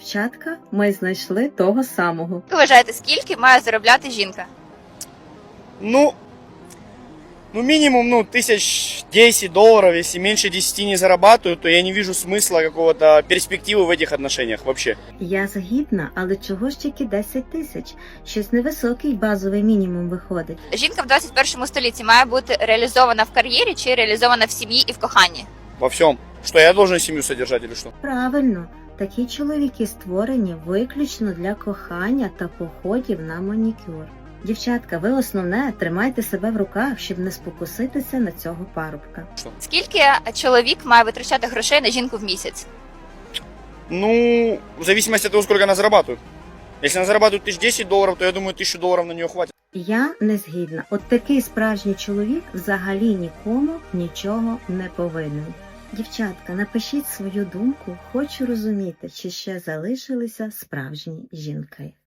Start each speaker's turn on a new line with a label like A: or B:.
A: Дівчатка, ми знайшли того самого.
B: Ви вважаєте, скільки має заробляти жінка?
C: Ну, минимум, $1010. Если меньше 10 не зарабатываю, то я не вижу смысла какого-то перспективы в этих отношениях вообще.
A: Я згідна, але чого ж тільки 10 тисяч? Щось невисокий базовий мінімум виходить.
B: Жінка в 21 столітті має бути реалізована в кар'єрі чи реалізована в сім'ї і в коханні?
C: Во всем. Что, я должен семью содержать или что?
A: Правильно, такі чоловіки створені виключно для кохання та походів на манікюр. Дівчатка, ви основне тримайте себе в руках, щоб не спокуситися на цього парубка.
B: Скільки чоловік має витрачати грошей на жінку в місяць?
C: Ну, в зависимости от того, сколько она зарабатывает. Если она зарабатывает $1010, то я думаю, $1000 на нее хватит.
A: Я не згідна. От такий справжній чоловік взагалі нікому нічого не повинен. Дівчатка, напишіть свою думку, хочу розуміти, чи ще залишилися справжні жінки.